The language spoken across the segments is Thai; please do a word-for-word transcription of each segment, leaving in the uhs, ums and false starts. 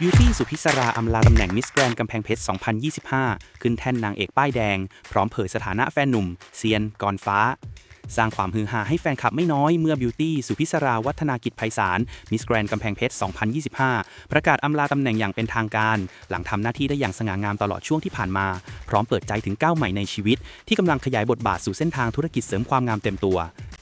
บิวตี้สุพิศราอำลาตำแหน่งมิสแกรนด์กำแพงเพชร สองพันยี่สิบห้า ขึ้นแท่นนางเอกป้ายแดง พร้อมเผยสถานะแฟนหนุ่มเซียนกรฟ้า สร้างความฮือฮาให้แฟนคลับไม่น้อยเมื่อบิวตี้สุพิศราวัฒนากิจไพศาลมิสแกรนด์กำแพงเพชร สองพันยี่สิบห้า ประกาศอำลาตำแหน่งอย่างเป็นทางการ หลังทำหน้าที่ได้อย่างสง่างามตลอดช่วงที่ผ่านมา พร้อมเปิดใจถึงก้าวใหม่ในชีวิต ที่กำลังขยายบทบาทสู่เส้นทางธุรกิจเสริมความงามเต็มตัว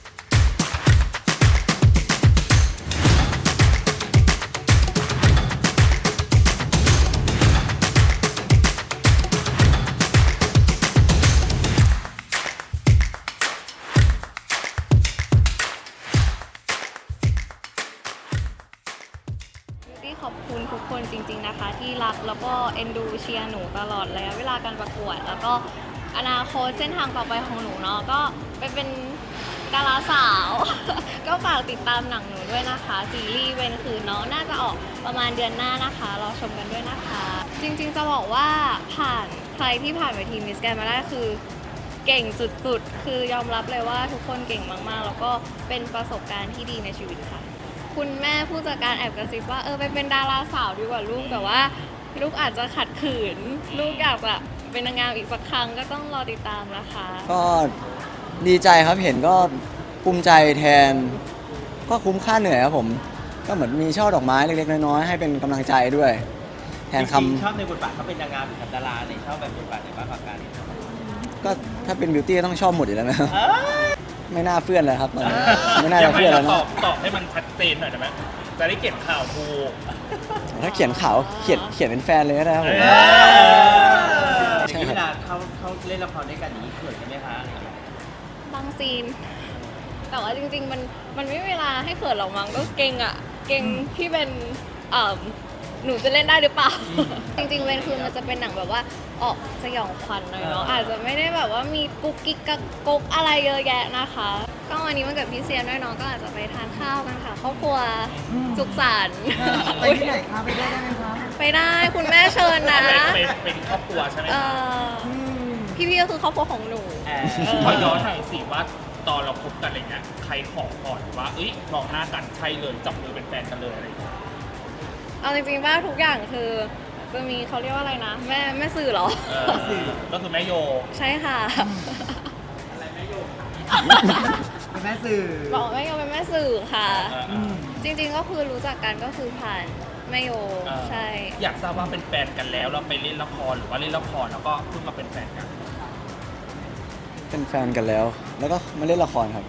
ขอบคุณทุกคนจริงๆนะคะที่รักแล้วก็เอ็นดูเชียร์หนูตลอดระยะเวลาการประกวดแล้วก็อนาคตเส้นทางต่อไปของหนูเนาะก็ไปเป็นดาราสาว ก็ฝากติดตามหนังหนูด้วยนะคะซีรีส์เวนคืนเนาะน่าจะออกประมาณเดือนหน้านะคะรอชมกันด้วยนะคะ จริงๆจะบอกว่าผ่านใครที่ผ่านเวทีมิสแกรนด์มาได้คือเก่งสุดๆคือยอมรับเลยว่าทุกคนเก่งมากๆแล้วก็เป็นประสบการณ์ที่ดีในชีวิตค่ะคุณแม่ผู้จัดการแอบกระซิบว่าเออไปเป็นดาราสาวดีกว่าลูกแต่ว่าลูกอาจจะขัดขืนลูกอยากจะเป็นนางงามอีกสักครั้งก็ต้องรอติดตามนะคะก็ดีใจครับเห็นก็ภูมิใจแทนก็คุ้มค่าเหนื่อยครับผมก็เหมือนมีช่อดอกไม้เล็กๆน้อยๆให้เป็นกำลังใจด้วยแทนคำชอบในบทบาทเขาเป็นนางงามหรือดาราเนี่ยชอบแบบบทบาทไหนบ้างกว่ากันก็ถ้าเป็นบิวตี้ต้องชอบหมดอยู่แล้วนะไม่น่าเฟื่อนเลยครับตอนนี้ไม่น่าจะเฟื่อนแล้วนะตอบตอบให้มันชัดเจนหน่อยได้ไหมจะได้เขียนข่าวถูกถ้าเขียนข่าวเขียนเขียนเป็นแฟนเลยก็ได้ครับผมใช่ครับเวลาเขาเขาเล่นละครด้วยกันอย่างนี้เขินกันไหมคะบางซีนแต่ว่าจริงๆมันมันไม่มีเวลาให้เขินหรอกมั้งก็เก่งอ่ะเก่งที่เป็นเอ่อหนูจะเล่นได้หรือเปล่า จริงๆเวนคือมันจะเป็นหนังแบบว่าออกสยองขวัญหน่อยเนาะอาจจะไม่ได้แบบว่ามีกุ๊กกิ๊กกักกุ๊กอะไรเยอะแยะนะคะก็วันนี้มันเกิดพี่เซียนด้วยเนาะก็อาจจะไปทานข้าวกันค่ะครอบครัวสุขสันต์ไปที่ไหนคะไปได้ไหมคะไปได้คุณแม่เชิญนะเป็นเป็นครอบครัวใช่ไหมพี่ๆก็คือครอบครัวของหนูขอย้อนหน่อยสิว่าตอนเราคบกันอะไรเงี้ยใครขอก่อนว่าเอ้ยมองหน้ากันใช่เลยจับมือเป็นแฟนกันเลยอะไรอย่างเงี้ยเอาจริงๆว่าทุกอย่างคือจะมีเขาเรียกว่าอะไรนะแม่แม่สื่อเหรอสื่อก็คือแม่โยใช่ค่ะอะไรแม่โยเป็นแม่สื่อบอกแม่โยเป็นแม่สื่อค่ะจริงๆก็คือรู้จักกันก็คือผ่านแม่โยใช่อยากทราบว่าเป็นแฟนกันแล้วเราไปเล่นละครหรือว่าเล่นละครแล้วก็เพิ่งมาเป็นแฟนกันเป็นแฟนกันแล้วแล้วก็มาเล่นละครครับ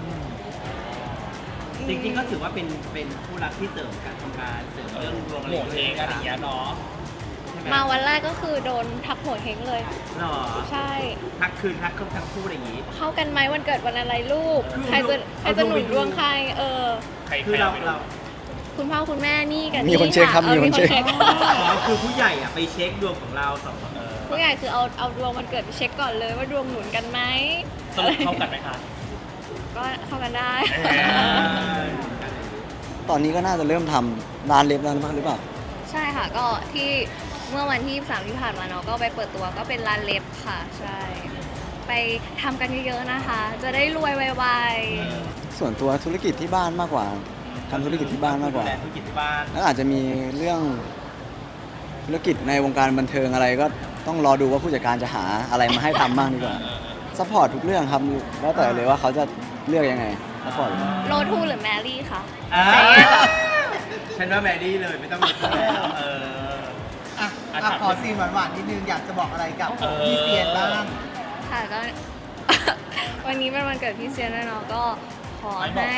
จริงๆก็ถือว่าเป็นเป็นคู่รักที่เสริมการทำงานเสริมเรื่องดวงอะไรอย่างเงี้ยเนาะมาวันแรกก็คือโดนทักหัวเฮงเลยหรอใช่ทักคืนทักทั้งคู่อะไรอย่างงี้เข้ากันไหมวันเกิดวันอะไรลูกใครจะใครจะหนุนดวงใครเออใครคือเราเราคุณพ่อคุณแม่นี่กันมีคนเช็คครับมีคนเช็คคือผู้ใหญ่อะไปเช็คดวงของเราสองผู้ใหญ่คือเอาเอาดวงวันเกิดไปเช็คก่อนเลยว่าดวงหนุนกันไหมสรุปเข้ากันไหมคะก็เข้ากันได้ตอนนี้ก็น่าจะเริ่มทำร้านเล็บแล้วหรือเปล่าใช่ค่ะก็ที่เมื่อวันที่สามที่ผ่านมาเนาะก็ไปเปิดตัวก็เป็นร้านเล็บค่ะใช่ไปทำกันเยอะๆนะคะจะได้รวยไวๆส่วนตัวธุรกิจที่บ้านมากกว่าทำธุรกิจที่บ้านมากกว่าธุรกิจที่บ้านแล้วอาจจะมีเรื่องธุรกิจในวงการบันเทิงอะไรก็ต้องรอดูว่าผู้จัดการจะหาอะไรมาให้ทำบ้างดีกว่าซัพพอร์ตทุกเรื่องครับแล้วแต่เลยว่าเขาจะเลือกยังไงซัพพอร์ตโรทูหรือแมรี่คะฉันว่าแมรี่เลยไม่ต้องมีแล้วเอออ่ะขอซีนหวานๆนิดนึงอยากจะบอกอะไรกับพี่เซียนบ้างค่ะก็วันนี้เป็นวันเกิดพี่เซียนด้วยเนาะก็ขอให้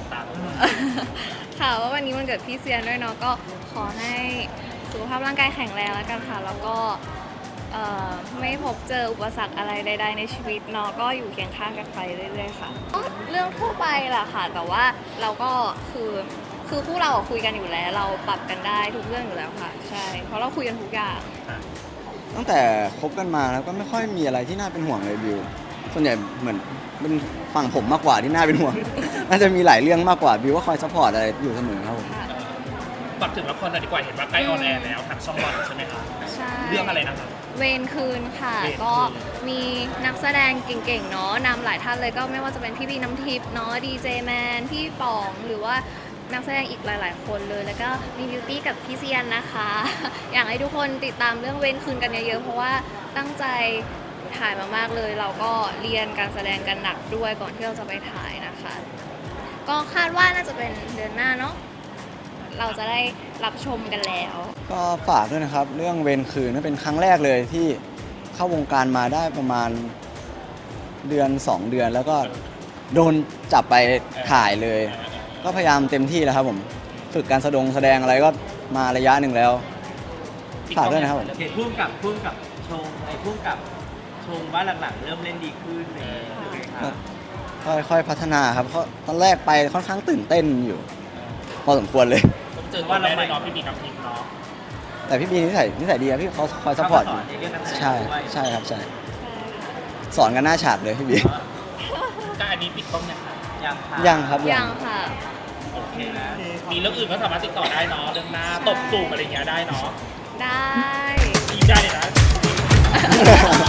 ค่ะว่าวันนี้วันเกิดพี่เซียนด้วยเนาะก็ขอให้สุขภาพร่างกายแข็งแรงแล้วกันค่ะแล้วก็ไม่พบเจออุปสรรคอะไรใดๆในชีวิตเนาะก็อยู่เคียงข้างกันไปเรื่อยๆค่ะเรื่องทั่วไปแหละค่ะแต่ว่าเราก็คือคือคู่เราคุยกันอยู่แล้วเราปรับกันได้ทุกเรื่องอยู่แล้วค่ะใช่เพราะเราคุยกันทุกอย่างตั้งแต่คบกันมาแล้วก็ไม่ค่อยมีอะไรที่น่าเป็นห่วงเลยบิวส่วนใหญ่เหมือนเป็นฝั่งผมมากกว่าที่น่าเป็นห่วงน่าจะมีหลายเรื่องมากกว่าบิวก็คอยซัพพอร์ตอะไรอยู่เสมอครับผมปักถึงละครหน่อยดีกว่าเห็นว่าใกล้ออนแอร์แล้วทางช่องวันใช่ไหมคะใช่เรื่องอะไรนะครับเวรคืนค่ะก็มีนักแสดงเก่งๆเนาะนำหลายท่านเลยก็ไม่ว่าจะเป็นพี่บีน้ำทิพย์เนาะดีเจแมนพี่ป๋องหรือว่านักแสดงอีกหลาย ๆ คนเลย แล้วก็มีบิวตี้กับพี่เซียนนะคะ อยากให้ทุกคนติดตามเรื่องเว้นคืนกันเยอะ ๆ เพราะว่าตั้งใจถ่ายมาก ๆ เลย เราก็เรียนการแสดงกันหนักด้วยก่อนที่เราจะไปถ่ายนะคะ ก็คาดว่าน่าจะเป็นเดือนหน้าเนาะ เราจะได้รับชมกันแล้วก็ฝากด้วยนะครับ เรื่องเวรคืนนั่นเป็นครั้งแรกเลยที่เข้าวงการมาได้ประมาณเดือนสองเดือน แล้วก็โดนจับไปถ่ายเลย ก็พยายามเต็มที่แล้วครับผมฝึกการแสดงแสดงอะไรก็มาระยะหนึ่งแล้วฝากด้วยนะครับผมเห็นพุ่มกับพุ่มกับชงไอ้พุ่มกับชงว่าหลังๆเริ่มเล่นดีขึ้นเลยยังไงครับค่อยๆพัฒนาครับเพราะตอนแรกไปค่อนข้างตื่นเต้นอยู่ พอสมควรเลยต้องเจอว่าเราไม่เนาะพี่บีกับพิมเนาะแต่พี่บีนิสัยนิสัยดีครับพี่เขาคอยซัพพอร์ตอยู่ในเรื่องการแสดงใช่ด้วยใช่ครับใช่สอนกันหน้าฉากเลยพี่บีก็อันนี้ปิดกล้องยังคะยังค่ะยังครับยังค่ะโอเคนะมีเรื่องอื่นก็สามารถติดต่อได้เนาะเรื่องหน้าตบตูบอะไรอย่างเงี้ยได้เนาะได้อีกได้เลยนะ